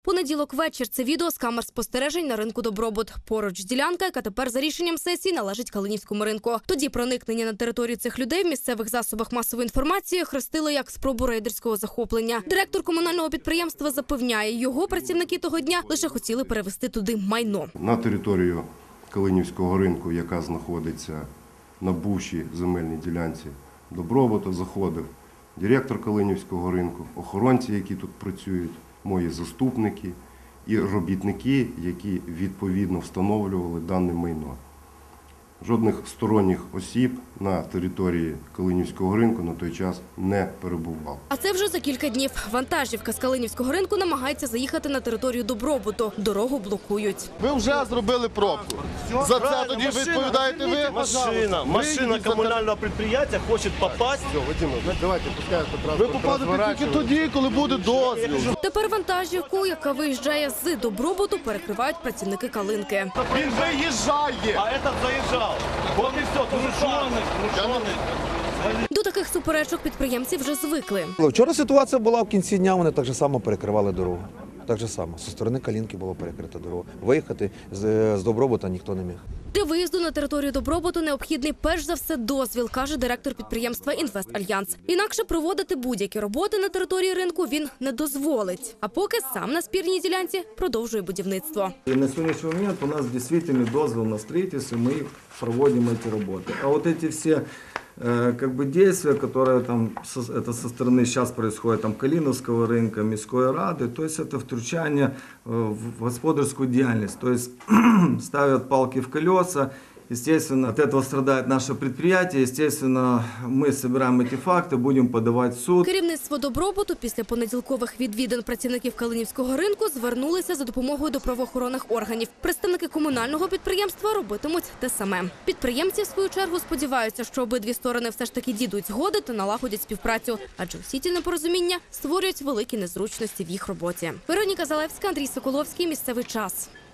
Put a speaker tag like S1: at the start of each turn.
S1: Понеділок вечір. Це відео з камер спостережень на ринку «Добробут». Поруч ділянка, яка тепер за рішенням сесії належить Калинівському ринку. Тоді проникнення на територію цих людей в місцевих засобах масової інформації хрестили як спробу рейдерського захоплення. Директор комунального підприємства запевняє, його працівники того дня лише хотіли перевезти туди майно.
S2: На територію Калинівського ринку, яка знаходиться на бувшій земельній ділянці «Добробуту», заходив директор Калинівського ринку, охоронці, які тут працюють, мої заступники і робітники, які відповідно встановлювали дане майно. Жодних сторонніх осіб на території Калинівського ринку на той час не перебувало.
S1: А це вже за кілька днів. Вантажівка з Калинівського ринку намагається заїхати на територію «Добробуту». Дорогу блокують.
S3: Ви вже зробили пробку. За це тоді відповідаєте ви?
S4: Машина комунального підприємства хоче попасть.
S3: Ви попадете тільки тоді, коли буде дозвіл.
S1: Тепер вантажівку, яка виїжджає з «Добробуту», перекривають працівники Калинки.
S3: Він виїжджає.
S4: А этот заїжджав. Вот і все, крушений.
S1: До таких суперечок підприємці вже звикли.
S5: Вчора ситуація була в кінці дня, вони так же само перекривали дорогу. Так же само. Зі сторони Калинки було перекрита дорога. Виїхати з Добробута ніхто не міг.
S1: Для виїзду на територію «Добробуту» необхідний перш за все дозвіл, каже директор підприємства «Інвестальянс». Інакше проводити будь-які роботи на території ринку він не дозволить. А поки сам на спірній ділянці продовжує будівництво.
S6: И на сегодняшний момент у нас действительно дозвол на строительство, мы проводим эти работы. А вот эти все действия, которые там это со стороны сейчас происходит, там Калиновского рынка, Міської ради, то есть это втручание в господарскую деятельность, то есть ставят палки в колеса. Естественно, от этого страдает наше предприятие. Естественно, мы собираем эти факты, будем подавать в суд.
S1: Керівництво «Добробуту» після понеділкових відвідин працівників Калинівського ринку звернулися за допомогою до правоохоронних органів. Представники комунального підприємства робитимуть те саме. Підприємці, в свою чергу, сподіваються, що обидві сторони все ж таки дійдуть згоди та налагодять співпрацю. Адже усі ці непорозуміння створюють великі незручності в їх роботі. Вероніка Залевська, Андрій Соколовський. Місцевий час.